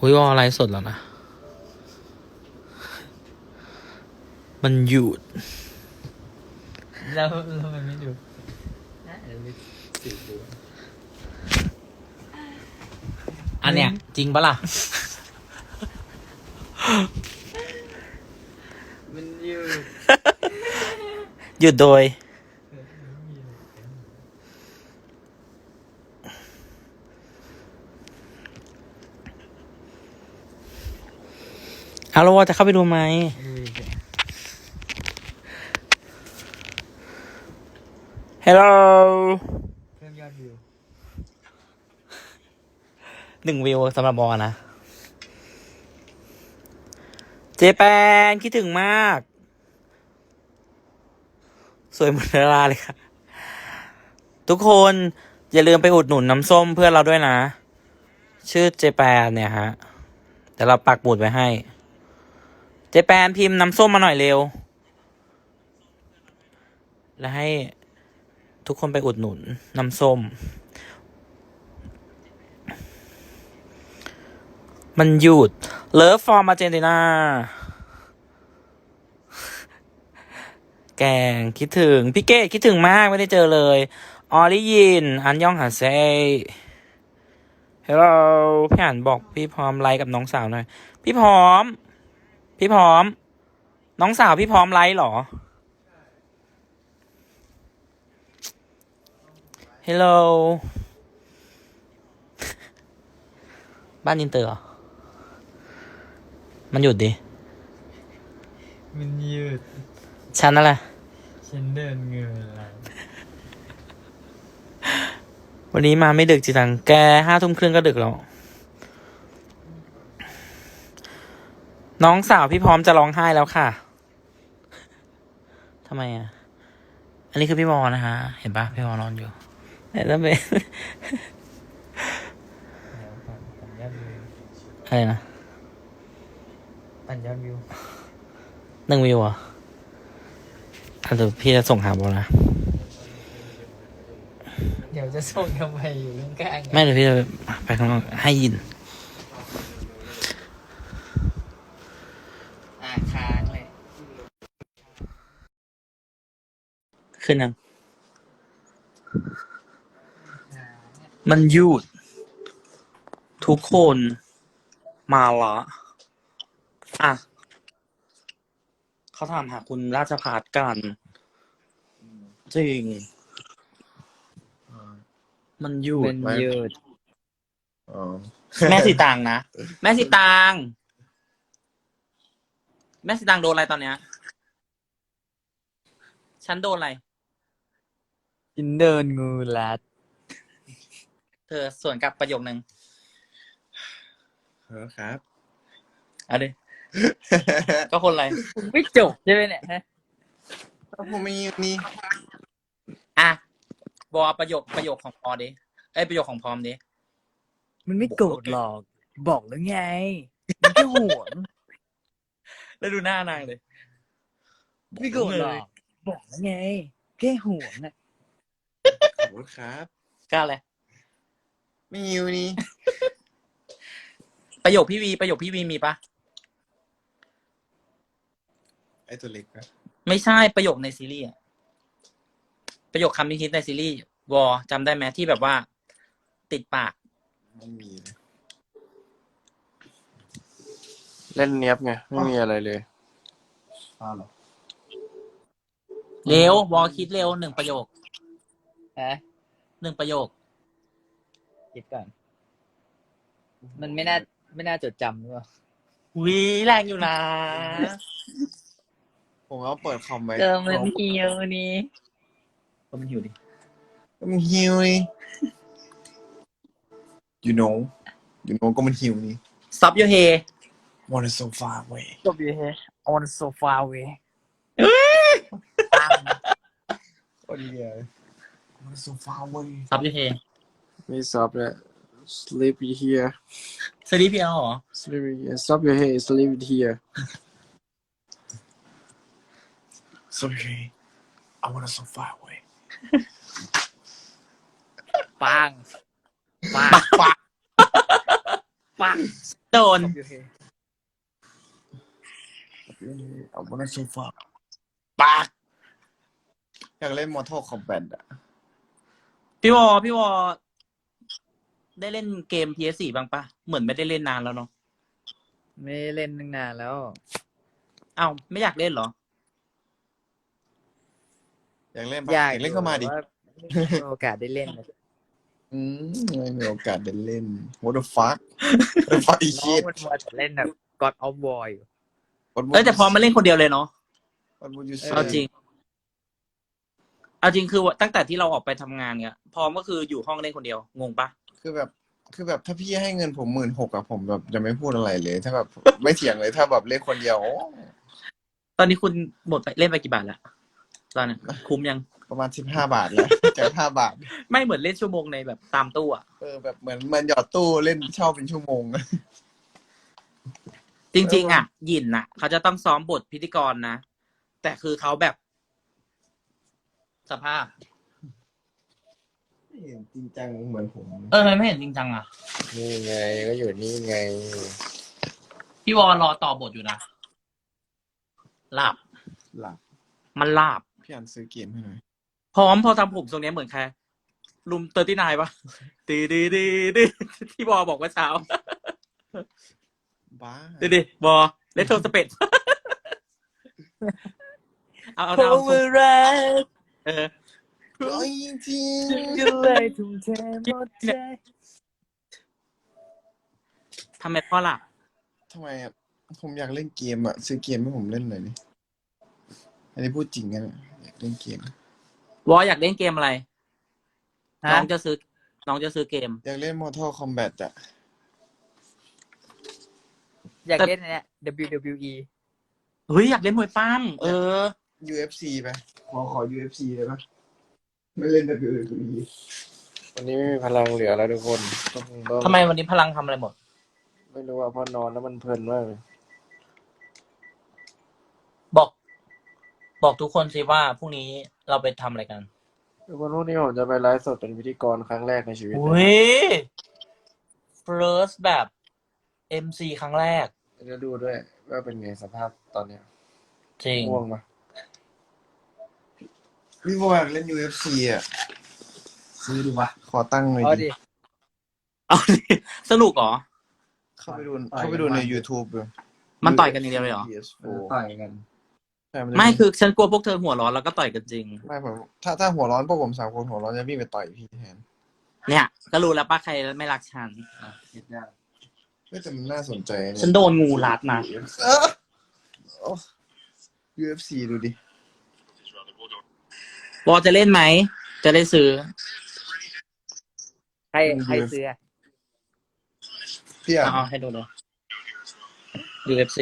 อุ้ยว่าอะไรสดแล้วนะมันหยุดแล้วมันไม่ดูสืบดูอันเนี้ยจริงปะล่ะมันอยู่หยุดโดยเอาแล้วว่าจะเข้าไปดูไหมฮัลโหลเพิ่มยอดวิว 1 วิวสำหรับบอนะ เจแปนคิดถึงมาก สวยเหมือนดาราเลยค่ะ ทุกคนอย่าลืมไปอุดหนุนน้ำส้มเพื่อนเราด้วยนะ ชื่อเจแปนเนี่ยฮะเดี๋ยวเราปักหมุดไว้ให้ เจแปนพิมพ์น้ำส้มมาหน่อยเร็ว แล้วให้ทุกคนไปอุดหนุนน้ำส้ม มันหยุดเลิฟฟอร์มอาร์เจนตินาแกงคิดถึงพี่เกดคิดถึงมากไม่ได้เจอเลยออลิยินอันยองหาเซเฮลโลพี่อ่านบอกพี่พร้อมไลค์กับน้องสาวหน่อยพี่พร้อมน้องสาวพี่พร้อมไลค์เหรอเฮลโลบ้านอินเตอร์เหรอมันหยุดดิมันยืดฉันนั่นแหละฉันเดินเงินอะไรวันนี้มาไม่ดึกจีตังแก5 ทุ่มครึ่งก็ดึกแล้ว น้องสาวพี่พร้อมจะร้องไห้แล้วค่ะทำไมอ่ะ อันนี้คือพี่มอนะฮะ เห็นปะพี่มอนอนอยู่ไหนแล้วเบแล้วปั่นยอดวิวอะไรนะปั่นยอดวิว 1 วิวเหรอ่ะเดี๋ยวพี่จะส่งหาบอลนะเดี๋ยวจะส่งทำไมอยู่ข้างๆไม่เดี๋ยวพี่จะไปข้างนอกให้ยินค้างเลยขึ้นยังมันหยุดทุกคนมาละอ่ะเขาถามหาคุณราชภัฏกันจริง มันหยุดมันยืดอ๋อแม่สีตางนะ แม่สีตาง แม่สีตางโดนอะไรตอนเนี้ย ฉันโดนอะไรฉันเดินงูรัดเธอส่วนกลับประโยคนึงครับเอาดิ ก็คนอะไรไม่จบใช่ไหมเนี่ยฮะผมมีนี่อ่ะบอประโยคของพอดิเอ้ยประโยคของพร้อมดิมันไม่โกรธหรอก บอกแล้วไง มันแค่ห่วงแล้วดูหน้านางเลยไม่โกรธหรอก บอกแล้วไง แค่ห่วงอ่ะขอบคุณครับกล้าเลยไม่หิวนี่ประโยคพี่วีมีปะไอตัวเล็กนะไม่ใช่ประโยคในซีรีส์อะประโยคคำที่คิดในซีรีส์วอจำได้ไหมที่แบบว่า ติดปากไม่มีเลยเล่นเนี้ยบไง ไม่มีอะไรเลยอ้าวเหรอเร็ววอคิดเร็ว1 ประโยคฮะ 1 ประโยคคิดก่อน มันไม่น่าจดจำหรือเปล่าวีแรงอยู่นะผมก็เปิดคอมไว้เจอมันเหี่ยวนี่ก็มันหิวดิมันหิวนี่ you know ก็มันหิวนี่ซับโยเฮ want it so far away จบอยู่เฮ on so far away โอ้ยเหี้ย want it so far away ซับโยเฮไม่ซับเลย sleepy here สลีพีเอลเหรอ sleepy here stop your head sleep it here sorry I want it so far away ปังปักปังโดน I wanna so far ปากอยากเล่น Mortal Kombat อ่ะพี่วอได้เล่นเกม PS4 บ้างปะเหมือนไม่ได้เล่นนานแล้วเนาะไม่ได้เล่นตั้งนานแล้วอ้าวไม่อยากเล่นเหรออยากเล่นปะอยากเล่นเข้ามาดิแต่ว่าไม่มีโอกาสได้เล่นเลยไม่มีโอกาสได้เล่น What the fuck What the fuck is น้อง shit มันมาเล่นแบบ God of War อยู่ What would เอ้ยแต่ you พอมาเล่นคนเดียวเลยเนาะ What would you เอา say จริง เอาจริงคือตั้งแต่ที่เราออกไปทำงานเนี่ยพร้อมก็คืออยู่ห้องเล่นคนเดียวงงปะคือแบบถ้าพี่ให้เงินผม16,000อะผมแบบจะไม่พูดอะไรเลย ถ้าแบบไม่เถียงเลยถ้าแบบเล่นคนเดียวโอ้ตอนนี้คุณหมดไปเล่นไปกี่บาทแล้วตอนนี้คุ้มยังประมาณ15 บาทแล้ว จาก5 บาทไม่เหมือนเล่นชั่วโมงในแบบตามตู้อะแบบเหมือนหยอดตู้เล่นเช่าเป็นชั่วโมงจริง ๆอะหยินน่ะเขาจะต้องซ้อมบทพิธีกรนะแต่คือเขาแบบ สภาพไม่เห็นจริงจังเหมือนผมมันไม่เห็นจริงจังอะนี่ไงก็อยู่นี่ไงพี่วอรอต่อบทอยู่นะหลับหลับมันหลับพี่อันซื้อเกมให้หน่อยพอทำผมทรงเนี้ยเหมือนใครลุม39ปะดีที่บอบอกว่าเช้าบ้าดิบอเลตโทสเปดเอาเพราะว่ารักเออร้อยจริงก็เลยทุ่มเทหมดใจทำไมพ่อหลับทำไมอะผมอยากเล่นเกมอะซื้อเกมให้ผมเล่นหน่อยดิอันนี้พูดจริงกันอยากเล่นเกมวออยากเล่นเกมอะไร น้ฮะองจะซื้อเกมอยากเล่น Mortal Kombat อะอยากเล่นอันเนี้ย WWE เฮ้ยอยากเล่นมวยปั้ม UFC ไปขอ UFC เลยปะไม่เล่น WWE วันนี้ไม่มีพลังเหลือแล้วทุกคนต้องทำไมวันนี้พลังทำอะไรหมดไม่รู้ว่าพอนอนแล้วมันเพลินมากเลยบอกทุกคนสิว่าพรุ่งนี้เราไปทำอะไรกันทุกคนพรุ่งนี้ผมจะไปไลฟ์สดเป็นพิธีกรครั้งแรกในชีวิตอุ้ย first แบบ MC ครั้งแรกจะดูด้วยว่าเป็นไงสภาพตอนเนี้ยจริงง่วงปะพี่บอยอยากเล่น UFC อะซื้อดูวะขอตั้งหน่อยเอาดิดิเอาดิสนุกเหรอเข้าไปดูใน YouTube เลยมันต่อยกันอย่างเดียวเลยเหรอ PS4 ต่อยกันใช่นจะไม่คือฉันกลัวพวกเธอหัวร้อนแล้วก็ต่อยกันจริงไม่ผมถ้าหัวร้อนพวกผม3 คนหัวร้อนจะวิ่งไปต่อยพี่แทนเนี่ย ก็รู้แล้วป้าใครไม่รักฉันคิดยากไม่แต่มันน่าสนใจเยฉันโดนงูรัดนะโอ้ UFC ดูดิวอจะเล่นไหม จะได้ซื้อใครซื้ออะพี่อ่ะเอาให้ดูเลย UFC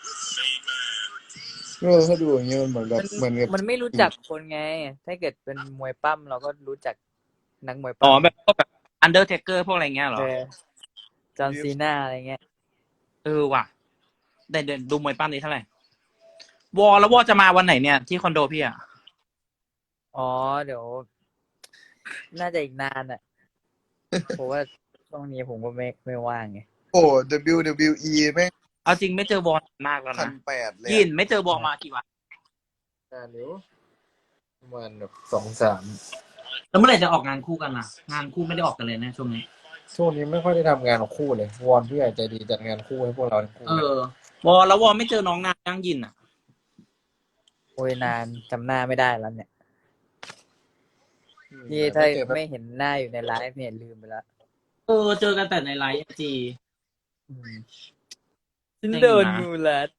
ถ้าดูอย่างเงี้ยมันเหมือนแบบเหมือนกับมันไม่รู้จักคนไง ถ้าเกิดเป็นมวยปั้มเราก็รู้จักนักมวยอ๋ปั้อมแบบพวกแบบ Undertaker พวกอะไรเงี้ยเหรอจอห์นซีน่าอะไรเงี้ยว่ะเดี๋ยวดูมวยปั้มนี้เท่าไหร่ แล้ววอจะมาวันไหนเนี่ย ที่คอนโดพี่อ่ะอ๋อ เดี๋ยว น่าจะอีกนานอ่ะ เพราะว่าช่วงนี้ผมก็ไม่ว่างไงโอ้ WWE แม่งเอาจริงไม่เจอวอมากแล้ว 1,800 นะเลยยินไม่เจอวอมากี่วันนานอยู่ประมาณแบบ2-3 แล้วเมื่อไหร่จะออกงานคู่กันล่ะ งานคู่ไม่ได้ออกกันเลยนะช่วงนี้ช่วงนี้ไม่ค่อยได้ทำงานของคู่เลยวอนผู้ใหญ่ใจดีจัดงานคู่ให้พวกเราทั้งคู่แล้ววอไม่เจอน้องนางย่างยินอ่ะโอ้ยนานจำหน้าไม่ได้แล้วเนี่ย นี่ถ้าไม่เห็นหน้าอยู่ในไลฟ์เนี่ยลืมไปแล้วเจอกันแต่ในไลฟ์จีฉันจริงนะโดนงูรัด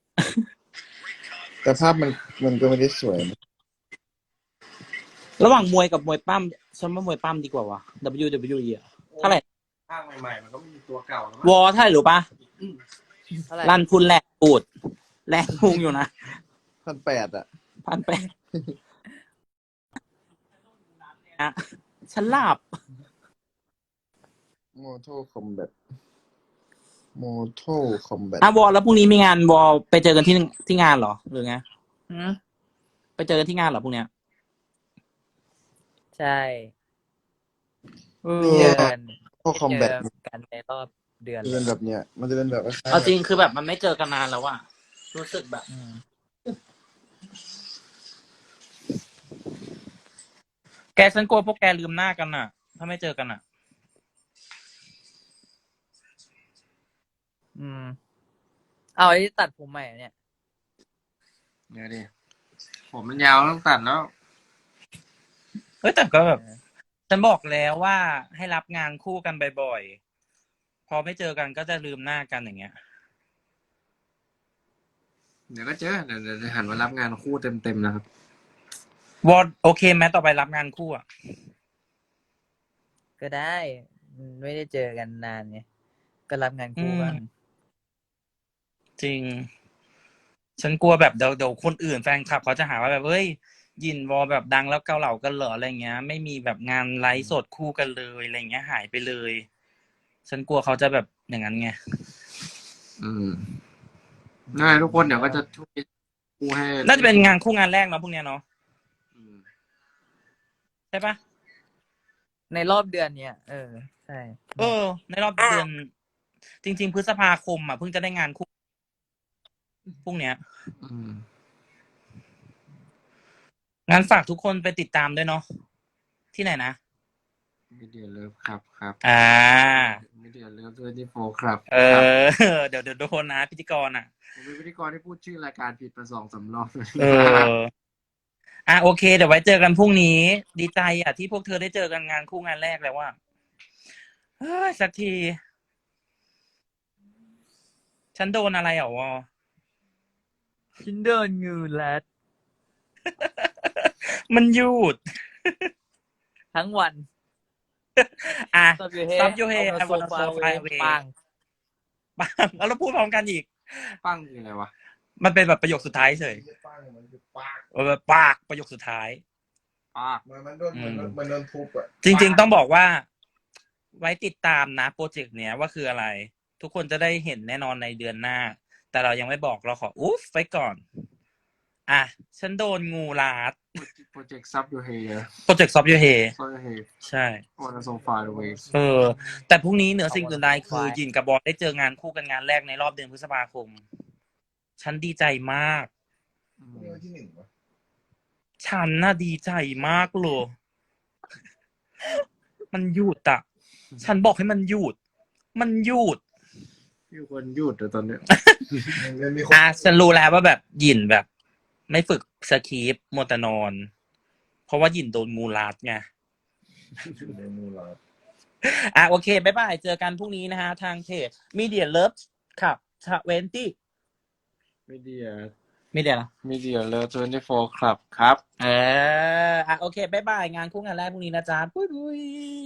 แต่ภาพมันก็ไม่ได้สวยนะระหว่างมวยกับมวยปั้มฉันว่ามวยปั้มดีกว่าวะ WWE อ่ะเท่าไหร่ภาคใหม่ๆมันก็มีตัวเก่าแล้ววอเท่าไหร่รู้ปะเท่าไหร่รันทุนแหลกปูดแรงพุงอยู่นะ 1,800 อ่ะ 1,800อะฉันหลับ Mortal Kombat วอแล้วพรุ่งนี้มีงานวอไปเจอกันที่งานเหรอหรือไงหืมไปเจอกันที่งานเหรอพรุ่งเนี้ยใช่เนี่ยเจอกัน Mortal เจอ Kombat กันในรอบเดือนจะเลเป็นยแบบเนี้ย มันจะเป็นแบบคล้ายๆเอาจริงคือแบบมันไม่เจอกันนานแล้วอะรู้สึกแบบอืมแกฉันกลัวพวกแกลืมหน้ากันอะถ้าไม่เจอกันอะอืม เอาไอ้ที่ตัดผมใหม่อะเนี่ยเดี๋ยวดิผมมันยาวต้องตัดแล้วเฮ้ยแต่ก็แบบ ฉันบอกแล้วว่าให้รับงานคู่กันบ่อยๆ พอไม่เจอกันก็จะลืมหน้ากันอย่างเงี้ยเดี๋ยวก็เจอเดี๋ยวหันมารับงานคู่เต็มนะครับวอดโอเคไหมต่อไปรับงานคู่อะก็ได้ไม่ได้เจอกันนานไงก็รับงานคู่บ้างจริง ฉันกลัวแบบเดี๋ยวคนอื่นแฟนคลับเขาจะหาว่าแบบเฮ้ยยินวอแบบดังแล้วเกาเหลากันเหรออะไรเงี้ย ไม่มีแบบงานไลฟ์สดคู่กันเลยอะไรเงี้ยหายไปเลย ฉันกลัวเขาจะแบบอย่างนั้นไงง่ายทุกคนเดี๋ยวก็จะช่วยคู่ให้น่าจะเป็นงานคู่งานแรกเนาะพวกเนี้ยเนาะอืมใช่ปะในรอบเดือนเนี้ยใช่ในรอบเดือน จริง ๆ พฤษภาคมอ่ะเพิ่งจะได้งานคู่พวกเนี้ยอืมงานฝากทุกคนไปติดตามด้วยเนาะที่ไหนนะมีเดียเลิฟครับอ่ามีเดียเลิฟ24ครับเดี๋ยวโดนนะพิธีกรอ่ะผมเป็นพิธีกรที่พูดชื่อรายการผิดมา2-3 รอบโอเค เดี๋ยวไว้เจอกันพรุ่งนี้ ดีใจอ่ะที่พวกเธอได้เจอกันงานคู่งานแรกแล้วว่าสักที ฉันโดนอะไรเหรอวอชินเดินงูแลดมันหยุดทั้งวันอ่ะซับยูเฮซับยูเฮเอา I มาโซ wanna ฟา so เว far away ปังปังแล้วเราพูดพร้อมกันอีกปั้งคืออะไรวะมันเป็นแบบประโยคสุดท้ายเฉยปังมันคือปากแบบปากประโยคสุดท้ายป้ามันโดนมันโดนทุบอ่ะจริงๆต้องบอกว่า ไว้ติดตามนะโปรเจกต์เนี้ยว่าคืออะไร ทุกคนจะได้เห็นแน่นอนในเดือนหน้า แต่เรายังไม่บอกเราขออุ๊ฟไว้ก่อน อ่ะ ฉันโดนงูลาดโปรเจกต์ซับยูเฮโปรเจกต์ซอฟต์ยูเฮซับยูเฮใช่วันโซฟาเวย์แต่พรุ่งนี้เหนือสิ่งอื่นใดคือยินกับบอสได้เจองานคู่กันงานแรกในรอบเดือนพฤษภาคม ฉันดีใจมากนี่วันที่1วะฉันน่ะดีใจมากเลย มันหยุดอ่ะ ฉันบอกให้มันหยุด มันหยุดมีคนหยุดแต่ตอนเนี้ยมันมีคนฉันรู้แล้วว่าแบบหยินแบบ ไม่ฝึกสคริปต์มัวแต่นอน เพราะว่าหยินโดนงูรัดไงในมูลาโอเค บ๊ายบาย เจอกันพรุ่งนี้นะฮะ ทางเพจ Media Love ครับ20 มีเดีย Media เหรอมีเดียเลิฟ24ครับโอเค บ๊ายบาย งานคู่งานแรกพรุ่งนี้นะจ๊ะ ปุ้ย